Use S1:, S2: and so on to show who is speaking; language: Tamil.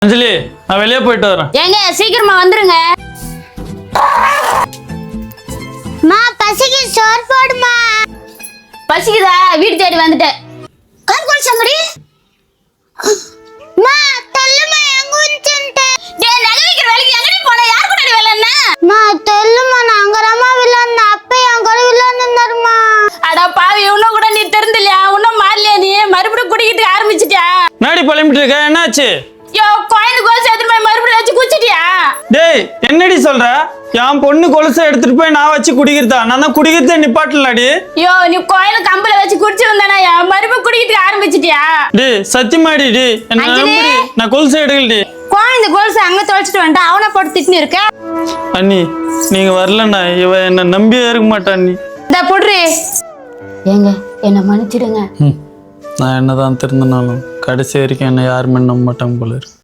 S1: அஞ்சலி, நான் வெளியே போயிட்டு வரேன்.
S2: ஏங்க சீக்கிரமா வந்துருங்க.
S3: மா பசிக்கு சோறு போடுமா.
S2: பசிக்குதா? வீடு தேடி வந்துட்டேன்.
S3: கால் கோல் சங்கடி. மா தள்ளுமா எங்க உன்சன்ட்ட.
S2: டேய் நகை விக்கிற வேலைக்கு எங்கடி போன? யார் கூட வேலை என்ன?
S3: மா தள்ளுமா நான் அங்கறமா வில்லன் அப்ப என் கூட வில்லன் இருந்தாருமா.
S2: அட பாவி, இன்னும் கூட நீ தெரிந்தலையா? இன்னும் மாறலையா நீ? மறுபடியும் குடிக்கிட்டு ஆரம்பிச்சிட்டியா?
S1: நாடி பழம்பிட்டு இருக்க, என்னாச்சு?
S2: யோ கோயில் கோல் சேர்த்து மறுபடியும் வச்சு குச்சிட்டியா?
S1: டேய் என்னடி சொல்ற? என் பொண்ணு கொலுசை எடுத்துட்டு போய் நான் வச்சு குடிக்கிறதா? நான் தான் குடிக்கிறதே நிப்பாட்டலடி.
S2: யோ நீ கோயில கம்பல வச்சு குடிச்சிருந்தானா? மறுபடியும் குடிக்கிட்டு ஆரம்பிச்சிட்டியா?
S1: டேய் சத்தியமாடி டி, என்ன நம்புடி. நான் கொலுசை எடுக்கலடி.
S2: கோயில் கோல்ஸ் அங்க தொலைச்சிட்டு வந்துட்டா அவனை போட்டு திட்டின்னு இருக்க.
S1: அண்ணி நீங்க வரலண்ணா இவ என்ன நம்பியே இருக்க மாட்டா அண்ணி.
S2: இந்த புடுறி. ஏங்க என்ன மன்னிச்சிடுங்க.
S1: நான் என்னதான் திருந்தினாலும் கடைசி வரைக்கும் என்ன யாருமே நம்ப மாட்டாங்க போல இருக்கு.